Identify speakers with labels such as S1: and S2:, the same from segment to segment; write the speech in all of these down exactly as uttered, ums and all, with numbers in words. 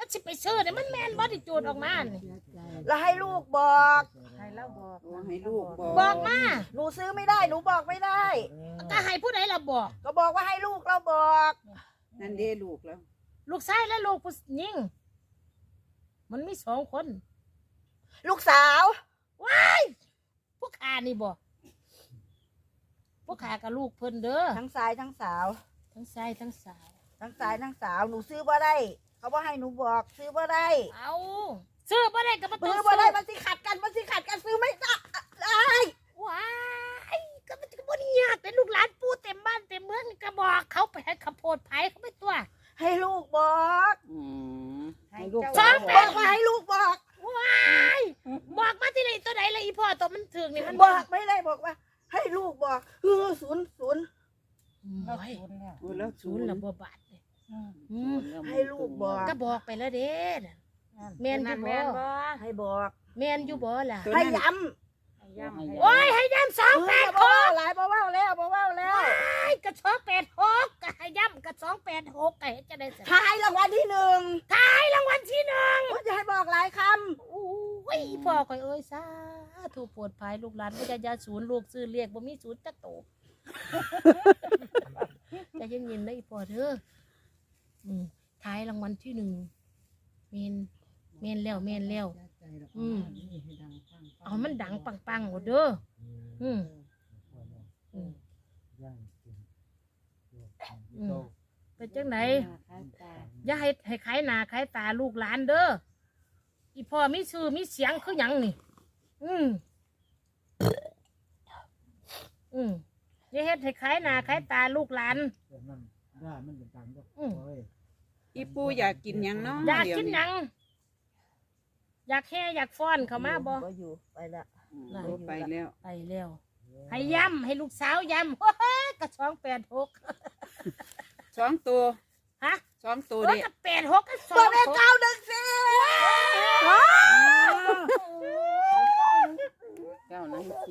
S1: มันสิไปซื้อเนี่ยมันแม่นบ่ที่จูดออกมานี่
S2: แล้วให้ลูกบอก
S3: ให้เราบอก
S4: ให้ลูกบอก
S1: บอกมา
S2: หนูซื้อไม่ได้หนูบอกไม่ได้
S1: ก็ให้ผู้ใดล่ะบอก
S2: ก็บอกว่าให้ลูกเราบอก
S4: นั่นเด้ลูกแล้ว
S1: ลูกชายและลูกผู้หญิงมันมีสองคน
S2: ลูกสาว
S1: ว้ายพวกขานี่บอกพวกขากับลูกเพิ่นเด้อ
S2: ทั้งซ้ายทั้งสาว
S1: ทั้งชายทั้งสาว
S2: ทั้งซ้ายทั้งสาวหนูซื้อบ่ได้ เขาบอกให้หนูบอกซื้อบ่ได้
S1: เอาซื้อบ่ได้ก็บ่ต้อง
S2: ซื้อ
S1: ซื้
S2: บ่
S1: อ
S2: ได้มันสิขัดกันมันสิขัดกันซื้อไม่ได้ได้
S1: ว้ายก็มันก็บ่ได้ยากเป็นลูกหลานปู่เต็มบ้านเต็มเมืองนี่ก็บอกเขาไปให้ข้าวโพดไผเขาไปตัว
S2: ให้ลูกบอก
S4: อืมให้ลูก
S1: สอง
S2: บ
S1: แป
S2: อ
S1: ด
S2: กว่าให้ลูกบอก
S1: ว้ายบอกมาที่ไหนตัวไหนละอีพ่อตัวมันถึงนี่มัน
S2: บอกไม่ได้บอกว่า ให้ลูกบอกเออศูนย์ศูนย์
S3: เรา
S1: โอ้ย
S3: ศูนย์แล้ว
S4: โอ้แล้ว
S1: ศูนย์ละบ่บาทเลย
S3: อืม
S1: อืม
S2: ให้ลูกบอก
S1: ก็บอกไปแล้วเด้น่ะ แม่นอยู่บ่
S3: แม่นบ่
S2: ให้บอก
S1: แม่นอยู่บ่ล่ะ
S2: ให้ย้
S3: ให้ย่ำให้
S1: โอ้ยให้ย้ำสอง
S2: ำ
S1: แปด
S2: เอ
S1: ห
S2: อก หลายบ่เว้าแล้วบ่เว้าแล้ว
S1: ไอ้กระสองแปดหกก็ให้ย้ำกระสองแปดหกก็เห็นจะได้สิ
S2: ทายรางวัลที่หนึ่ง
S1: ท้ายรางวัลที่หนึ่ง
S2: ว่าจะให้บอกหลายค
S1: โอ้ยพ่อคอยเอ้ยซาถูกปวดภายลูกหลานวิทยาศูนย์ลูกซื้อเรียกบ่มีศูนย์จักโตจะยังยินได้พ่อเด้ออืมท้ายรางวัลที่หนึ่งเมนเมนแล้วเมนแล้วอืมเอามันดังปังๆหมดเด้ออืมอืมอืมเป็นจังไหนอย่าให้ให้ขายหน้าขายตาลูกหลานเด้ออีพ่อมีชื่อมีเสียงคือหยังนี่ อืมอืมอย่าเฮ็ดให้ขายหน้าขายตาลูกหลานอืม
S4: อีปูอยากกินหยังเนาะ
S1: อยาก
S4: เดี๋ว
S1: กินหยัง อยากแห่อยากฟ้อนเข้ามาบ่
S2: บ่อยู่ไปละ
S4: อืมโอ้ไปแล้ว
S1: ไปแล้ว ให้ย้ำให้ลูกสาวย้ำ โอ้ยกระสองแปดหก
S4: สองตัว
S1: ฮะ
S4: สองตัว
S1: โอ้ย
S4: เด็
S1: กระแปดหกกระสอ
S2: บ่
S1: ง
S2: แม่
S1: หก
S2: เก้าหนึ่งสี่
S4: เก้านั่งที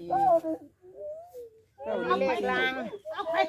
S1: เอาไปลางเอาไป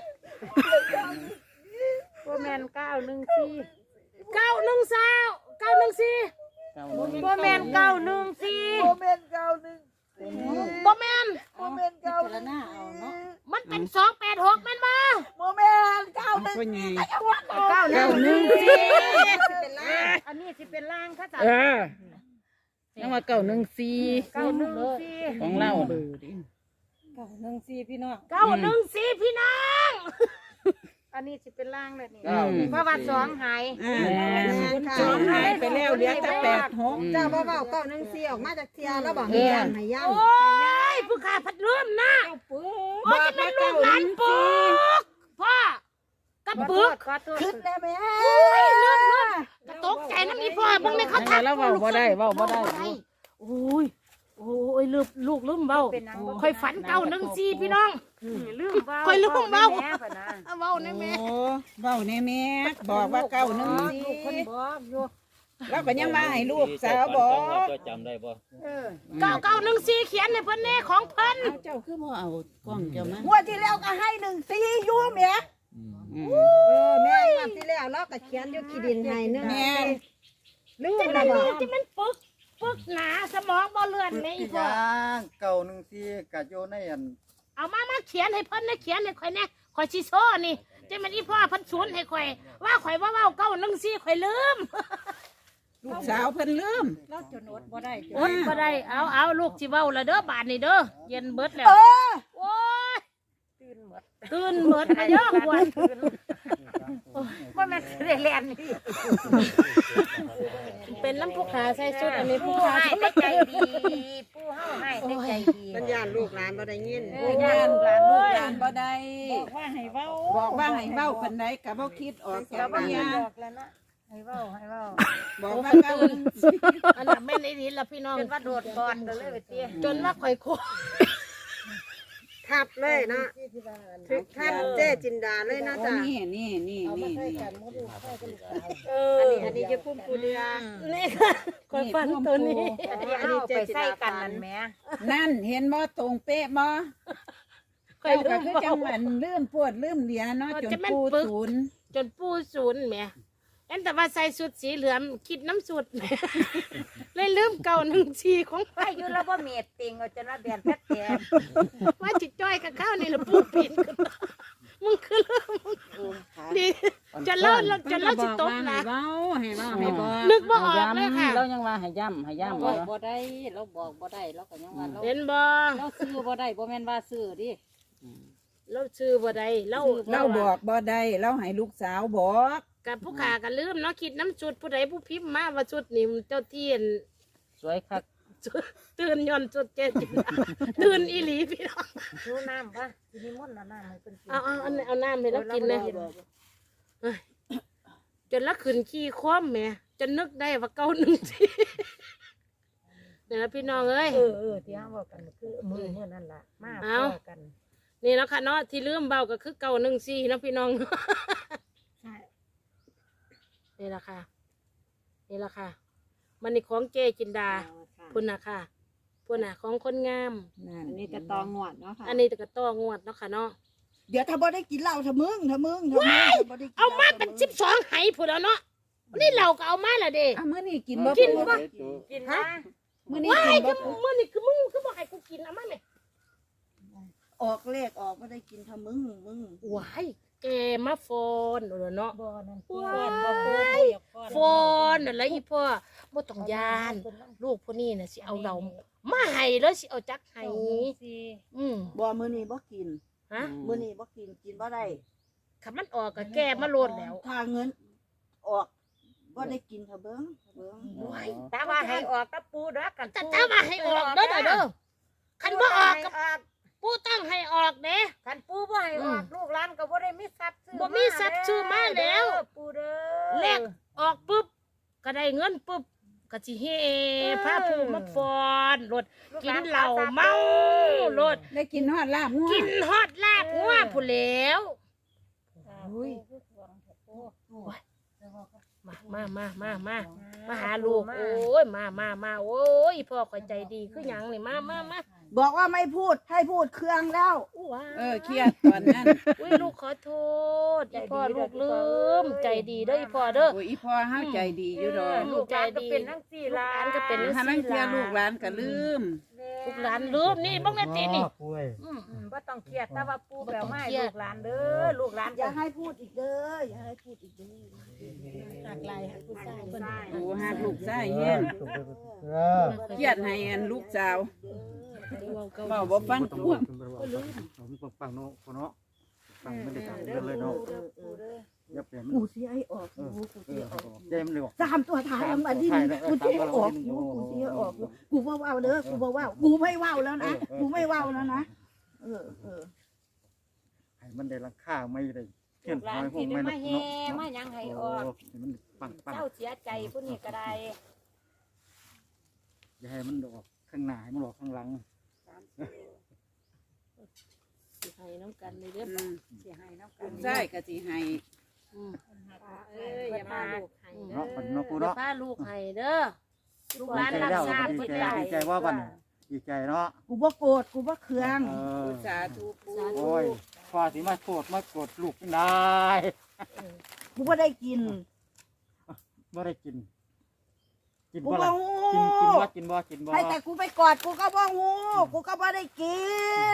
S3: บ่แม่นเก้าหนึ่งสี่
S1: เก้าหนึ่งสาวเก้าหนึ่งสี่
S4: เก้านั่ง
S3: บ่แม่นเก้าหนึ่งสี่
S2: บ่แม่นเก้าหนึ่ง
S1: บ่แม่น
S2: บ่แม่นเก้าหนึ่ง
S1: มันเป็นสองแปดหกแม่นบ่
S2: บ่แม่นเก้าหนึ่ง
S4: พ่อใหญ่
S3: เก้าหนึ่ง
S4: หนึ่ง
S3: สี่
S4: สี่
S3: อันนี้สิเป็นล่างค่ะจ้ะ
S4: เออนั่นว่าเก้าหนึ่งสี่
S3: เก้าหนึ่งสี่
S4: ของเรา
S3: เก้าหนึ่งสี่พี่น้อง
S1: เก้าหนึ่งสี่พี่น้อง
S3: อันนี้สิเป็นล่างเลยนี่
S4: เก้าหนึ่ง
S3: เพราะว่าสองหาย
S4: อ่าสองหายไปแล้วเหลือแต่แปดหก
S5: เจ้าบ่เว้าเก้าหนึ่งสี่ออกมาจากเทียแล้วบอก
S4: เอ
S5: ให้
S4: อ
S5: ย่ำให้ย่
S1: โอ้ยผู้ขาพัดลมนะ
S3: เปื้
S1: โอ้ยจะเป็นลูกหลานปึกพ่อกระปึก
S3: ขอโทษ
S2: ขึ้นได้แม่
S1: กระตกใจน้ำมีพ่อบังไม่เขา
S4: ยังไง
S1: ทัก
S4: แล้วเว้าบ่ได้เว้าบ่ได้
S1: โอ้ยโอ้ยลูกลูกลืมเบา
S3: เป็นหยังบ่
S1: คอยฝันเก้าหนึ่งสี่พี่น้อง
S3: ลืมเว้า
S1: ค่อยลืมเว้า
S3: แม่พ่ะนะ
S1: เอาเบาในแม่
S4: โอ้เว้าแน่แม่บอกว่าเก้าหนึ่งสี่
S3: ลูกคนบอกอยู่
S4: แล้วก็ยังมาให้ลูกสาวบอก
S6: ก็จำได้บ่
S3: เออ
S1: เก้าเก้าหนึ่งสี่เขียนในเพิ่นแน่ของเพิ่น
S4: เอาเจ้าคือบ่เอากล้องเจ้ามา
S2: งวดที่แล้วก็ให้หนึ่งสี่อยู่แม่
S4: อืม
S5: ำเออแม่งวดที่แล้วเราก็เขียนอยู่ขี้ดินให้หนึง
S4: แม่
S5: ลืม
S1: จะ
S5: แล้ว
S1: มัน
S5: บ่
S1: ลูกจะมันปึกปึกหนาสมองบ่เลื่อนแม่อีพ่อ
S6: างเก่าหนึ่งสี่กะโยในอัน
S1: เอามามาเขียนให้เพิ่นนะเขียนให้ข่อยแน่ข่อยสิโซ่นี่จะมันอีพ่อเพิ่นสวนให้ข่อยว่าข่อยว่าเว้าเก้าหนึ่งสี่ข่อยลืม
S4: ลูกสาวเพิ่นลืม
S3: เราจนอดบ่ได้จน
S1: อดบ่ได้เอาเอาลูกสิเว้าละเด้อบาดนี้เด้อเย็นเบิดแล้ว
S2: เออ
S1: โอ้ย
S3: ตื่นหมด
S1: ตื่นเบิดมาเด้อควร
S3: ว่าแม่นสิได้แล่นนี่
S1: เป็นน้ำผู้ขาใส่ชุดอันนี้ผู้
S3: ผู้
S1: ขา
S3: ให้
S1: ชุด
S3: ได้ใจดีผู้เฮาให้ได้ใจดี
S5: สัญญาณลูกหลานบ่ได้ยิน
S3: เออย่านหลานลูกหลาน
S4: บ่ได้
S3: บอกว่าให้เว้า
S4: บอกว่าให้เว้าปานใดก็บ่คิดออกจาก
S3: เราบ่
S4: ปัญ
S3: ได้
S4: ญา
S3: บอกแล้วนะให้เว้าให้เว้า
S4: บอกว่าเก้าหนึ่งสี่
S1: อันนั้นแม่นอีหลีล่ะพี่น้อง
S3: จนว่าโดดก่อนก็เลยไปเตี้ย
S1: จนว่าข่อยโค
S5: ทับเลยเนาะถึกทับเจ๊จินดาเลยนะ
S4: โอ้
S5: จ๊ะ
S4: นี่นี่นี่นี่นี่
S1: เอ
S5: อัน
S1: อ
S5: นี้อันนี้จะพุ่มปูเรือ
S1: นี่ค่ะข่อยฟันตัวนี้
S3: อันนี้เฮาไปใส่กันนั่นแหม
S4: นั่นเห็นบ่ตรงเป๊ะบ่
S1: ข่อย
S4: เจ้า
S1: ลื
S4: ก็
S1: ม
S4: คือจั
S1: เว้าง
S4: หวัดลืมปวดลืมเหลียเนาะจน
S1: จะแม่น
S4: ปู
S1: ปึก
S4: ศูนย์
S1: จนปู่ศูนย์แหม่เอ็นแต่ว่าใส่สุดสีเหลืองคิดน้ำสุด เลยลืมเก่าหนึ่งชีของ
S3: ไปอยู่แล้วบ่เม็ดติงเอาจนว่าแบนแท้แท้
S1: ว่าจิตจ้อยกับข้าวนี่ละปูปีนขึ้นมามึงคือเริ่มดีจะเล่าจะเล่าจิตตกนะ
S4: เว้าให้เว้าให้บอก
S1: นึกว่าออกเลยค่ะ
S7: เรายังว่าให้ย่ำให้ย่ำ
S5: บอ
S7: บ่
S5: กบ่ได้เราบอกบ่ได้เราก็ยังว่าเรา
S1: เห็นบ่
S5: เราซื้อบ่ได้บ่แม่นว่าซื้อดิ
S1: เราชื่อบ่ได้เรา
S4: เราบอกบ่ได้เราให้ลูกสาวบอก
S1: กับผู้ขากันลืมเนาะคิดน้ำจุดผู้ใดผู้พิมพ์มาว่าจุดนี่เจ้าเทียน
S7: สวยคัก
S1: ตื่นย้อนจุดเจจินดาตื่นอีหลีพี่น้อง
S3: ดูน้ำป่ะสินิมนต์เอาน้ำให้เพิ่นกิน
S1: เอาเอาเอาเอาน้ำให้เรากินเลยเอ้ยจนละขึ้นขี้คว่ำแหม่จนนึกได้ว่าเก้าหนึ่งทีเนี่ยนะพี่น้องเอ้ย
S3: เออเออที่ห้ามบอกกันคือมือเมื่อนั่นล่ะมา
S1: เอา
S3: พอกัน
S1: นี่แล้วค่ะเนาะที่ลืมเบาก็คือเก้าหนึ่งสี่นะพี่น้องนี่แหละค่ะนี่แหละค่ะมันนี่ของเจจินดาพุ่นนะค่ะพุ่นนะของคนงาม
S4: นั่น
S5: อันนี้จะตองงวดเนาะค่ะ
S1: อันนี้ตะกะต้องวดเนาะค่ะเนาะ
S2: เดี๋ยวถ้าบ่ได้กินเหล้าถ้ามึงถ้ามึงถ้ามึงถ้าบ่ได้กินหล้
S1: เอามาเป็นสิบสองไหพุ่นแล้วเนาะนี่เราก็เอามาละเด้
S4: อ่ะมื้อนี้กินบ่
S1: กิน
S4: ปู
S1: บ่
S3: กินนะ
S4: มื้อนี้
S1: ว้า
S4: กิ
S1: ย
S4: นบ่
S1: คือ
S4: ปู
S1: มื่อนี่คือมึงคือบอกให้กูกินเอามาไหม
S2: ออกเลขออกบ่ได้กินถ้ามึงมึง
S1: ว้ายแกมาฟอนเออเนาะ
S3: บ่นั่น
S1: ว้
S3: บ่ปู
S1: าย
S3: อยากฟ้อน
S1: ฟอนอะไรอีพ่อบ่ต้องยาน ลูกพวกนี้น่ะสิเอาเรามาให้แล้วสิเอาจักให้อืม
S2: บ่มื้อนี้บ่กิน
S1: ฮะ
S2: มื้อนี้บ่กินกินบ่ได้
S1: คันมันออกก็แก้มาโลดแล้ว
S2: ถ้าเงินออกบ่ได้กินถ้าเบิ่งถ้าเบิ่ง
S1: ว้าย
S3: ตาว่าให้ออกตะปูเด้อกัน
S1: แต่ถ้าว่าให้ออกเด้อเด้อเด้อคันบ่ออกก็
S3: ออก
S1: ปู่ต้องให้ออกเด้
S3: คันปูบ่ให้ออกลูกหลานก็บ่ได้มีทรัพย์ซื้อ
S1: บ่มีทรัพย์ซื้อมาแล้ว
S3: ปูเด้อ
S1: เลขออกปุ๊บก็ได้เงินปุ๊บก็สิเฮพาผู้มาฟอนรถกินเหล้าเมารถ
S4: ได้กินฮอดลาบงัว
S1: กินฮอดลาบงัวผู้นแหล้ว
S3: อุ้ย
S1: มามามามามามาหาลูกโอ้ยมามามาโอ้ยพ่อข่อยใจดีคือหยังนี่มามามา
S2: บอกว่าไม่พูดให้พูดเครื่องแล้ว
S1: อู้ว้า
S4: เออเครียดตอนนั้น
S1: อุ้ยลูกขอโทษอีพ่อลูกลืมใจดีเด้ออีพ่อเด้อ
S4: โอ้ยอีพ่อเฮาใจดีอยู่ดอก
S3: ลูกหลานก็เป็นทั้งสี่
S1: ลูก
S3: ล้า
S1: หลาน นก็เป็น
S4: ถ้าลังเที่ยลูกหลานก็ลืม
S1: ลูกหลานลืมนี่บ้องแม่ตีนี่
S6: ป่วย
S1: อืม
S3: อืมบ่ต้องเครียดแต่ว่าปูแปลว่าให้
S1: บ่ต้องเครียด
S3: ลูกหลานเด้อลูกหลาน
S2: อย่าให้พูดอีกเด้ออย่าให้พูดอีกเด้อ
S1: หักลายหักผู้ชายเพิ่น
S4: โอ้หากลูกชายแฮง
S6: เออ
S4: เครียดให้อันลูกสาว
S1: เว้าเก่า
S4: เว้าบ่ฟังควม
S6: ปังเนาะเนาะปังไม่ได้ตังเลยเนาะอย่าเปลี่ยน
S2: กูสิให้ออกกูกูสิให้ออก
S6: ใจมันเลยบอก
S2: สามตัวท้ายมันดิกูสิให้ออกกูกูสิให้ออกกูบ่เว้าเด้อกูบ่เว้ากูไม่เว้าแล้วนะกูไม่เว้าแล้วนะเออเออ
S6: ให้มันได้ราคาไม่ได้เทียน
S3: หลา
S6: น้
S3: น
S6: อยพว
S3: ที่
S6: ก
S3: ได้
S6: ไม่
S3: มา
S6: เนาะ
S3: แห่มาหยังให้ออก
S6: มันปังปัง
S3: เจ้าเสียใจผู้นี้ก็ได้
S6: อย่าให้มันออกข้างหน้าให้มันออกข้างหลัง
S1: สิให้น้ำกันเลยเด้อ
S4: อืม
S3: สิให้น้ำกั
S4: ลู
S3: น
S4: กชายก็สิให้
S1: อืม
S3: เอ้ยอย่ามาลูกให้
S6: เนาะปันเนาะกู
S1: เดี๋ยว
S6: เนาะ
S1: พาลูกให้เด้อลูกห
S6: ดี
S1: ลาน
S6: ใจ
S1: รับ
S6: แล้ว
S1: ทราบ
S6: ดี
S1: เพิ่น
S6: ใจ
S1: ได้
S6: ดีใจว่าวันดีใจเนาะ
S2: กูบ่โกรธกูบ่เคือง
S6: เออ
S4: สาธุปู
S6: โอ้ยพอสิมาโกรธมาโกรธลูกได้
S2: กูบ่ได้กิน
S6: บ่ได้กิน กิน
S2: กู
S6: บ่
S2: บ่
S6: ล่ะ
S2: ฮู้
S6: กินกินบ่กินบ่กินบ่
S2: ให้แต่กูไปกอดกูก็บ่ฮู้กูก็บ่ได้กิน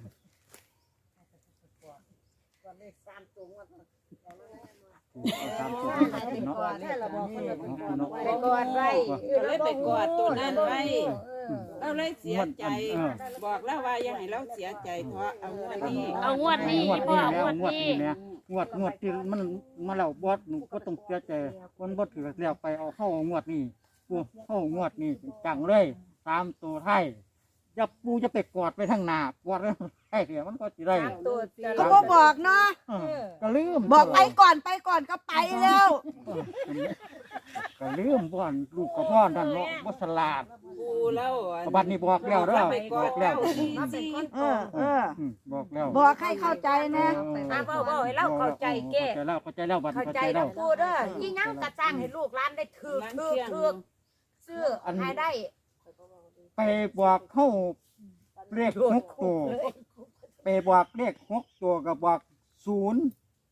S6: ตามตัวเนาะ
S3: ไปก่อนไว้
S4: ก็เลยไปกอดตัวนั้นไว้
S3: เออ
S4: เราเลยเสียใจ บอกแล้วว่าอย่าให้เราเสียใจเพราะเอาเงินนี้
S1: เอางวดนี้
S6: งวด
S1: พ่อ
S6: นี้
S1: เอา
S6: แล้ว
S1: งวด
S6: งวด
S1: นี้
S6: นี้เนี่ยงวดงวดที่มันมาแล้วบอสหนูก็ต้องเสียใจคนบ่ถือแล้วไปเอาเข้างวดนี้ปูเข้างวดนี้จังเลยตามตัวไทยจะปูจะไปกอดไปทางหน้ากอดไอ้เดี๋ยวมันก็สิได้
S3: ตามตัวจะ
S2: ก็บ่บอกเนาะ
S6: เออก็ลืม
S2: บอกไปก่อนไปก่อนก็ไปแล้ว
S6: ก็ลืมบ่อนลูกกับพ่อนั่นเนาะบ่ฉลาด
S4: ปูแล้ว
S6: บัดนี้บอกแล้วเด้อ
S4: ไปก
S6: บ
S4: อ
S6: อ
S4: ด
S6: ก
S4: แล้
S6: แล้ว ว
S3: มาเป็นคน
S2: เออเออ
S6: อืมบอกแล้ว
S2: บอกให้เข้าใจนะ
S3: ตาเว้าเว้าให้เราเข้าใจแก้
S6: เข้าใจแล้วเข้าใจแล้วบัด
S3: เข้า
S6: เข้า
S3: ใจ
S6: ใจแล้
S3: แล้ว วปูเด้อยิ่งยังกระจ้างให้ลูกหลานได้ถือถือถือซื้อให้ได้
S6: ไปบอกเข้าเลขหกตัวไปบอกเลขหกตัวกับบอกศูนย์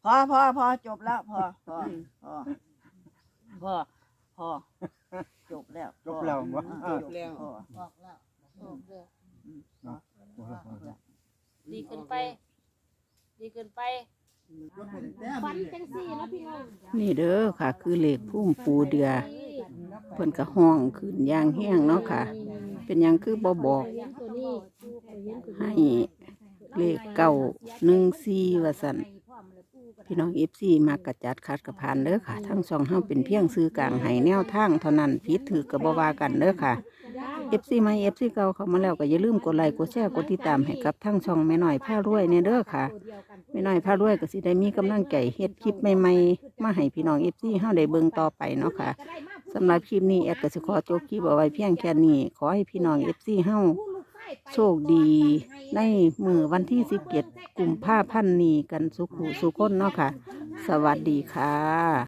S2: พอพอพอจบแล้วพอพอพอพอพอจบแล้ว
S6: จบแล้วบ่
S2: เออ
S4: จบแล้ว
S2: พอ
S1: บอกแล้วบอกแล้ว
S2: พอพอ
S1: ดีเกินไป ดีเกินไปฟันจังสี่เนาะพี่น้อง
S2: นี่เด้อค่ะ คือเลขพุ่มปูเดือเพิ่นก็ห้องขึ้นอย่างแห้งเนาะค่ะ เป็นหยังคือบ่บอก
S1: เลี้ยงตัวนี้เลี้ยงตัว
S2: ให้
S1: นี้
S2: เลขเก้าหนึ่งสี่ว่าสั่นพี่น้องเอฟซีมากระจัดคัดกระพานเด้อค่ะ ทั้งสองเฮาเป็นเพียงซื้อกลางให้แนวทางเท่านั้นผิดถือกับ่ว่ากันเด้อค่ะเอฟซีใหม่เอฟซีเก่าเข้ามาแล้วก็อย่าลืมกดไลค์กดแชร์กดติดตามให้กับทั้งช่องแม่น้อยผ้ารวยเนี่ยเด้อค่ะแม่น้อยผ้ารวยก็สิได้มีกำลังใจเฮ็ดคลิปใหม่ๆมาให้พี่น้องเอฟซีเฮาได้เบิ่งต่อไปเนาะค่ะสำหรับคลิปนี้แอดก็สิขอจบคลิปเอาไว้เพียงแค่นี้ขอให้พี่น้องเอฟซีเฮาโชคดีในมือวันที่สิบเจ็ดกุมภาพันธ์นี้กันสุขุสุขคนเนาะค่ะ สวัสดีค่ะ